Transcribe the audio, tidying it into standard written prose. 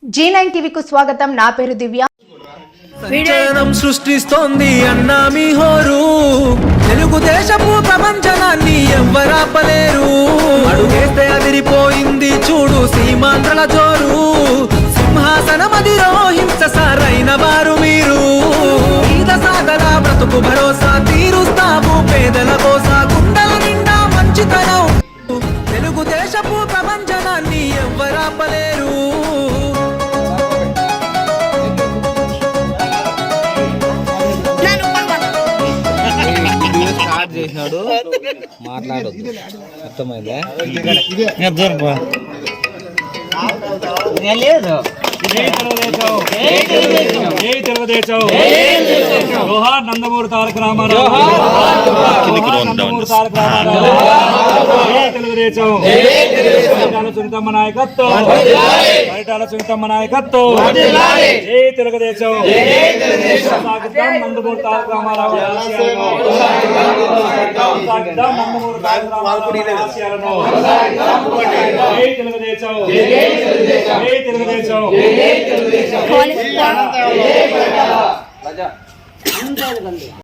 G9 టీవీకు స్వాగతం. నా పేరు దివ్య. సంచలనం సృష్టిస్తోంది అన్నా మీ హోరు. తెలుగుదేశపు ప్రపంచనాన్ని ఎవ్వరాపలేరు. అడుగేస్తే అదిరిపోయింది చూడు సీమాంధ్రల జోరు. సింహాసనమదిలో హింస సారైన వారు మీరు. ఈద సాగల బ్రతుకు భరోసా తీరుస్తాము పేదల కోసా. గుండెల నిండా మంచితనం. తెలుగుదేశపు ప్రపంచనాన్ని ఎవ్వరాపలేరు. చేసినాడు మాట్లాడొద్దు అర్థమైందా లేదు. జోహార్ నందమూరి తారక రామారావు. తెలుగుదేశం సునీతమ్మ నాయకత్వం. పరిటాల సునీతమ్మ నాయకత్వం. జై తెలుగుదేశం. నందమూరి తారక రామారావు నందమూరి తారక రామారావు ఆశయాలను. జై తెలుగుదేశం. జై తెలుగుదేశం.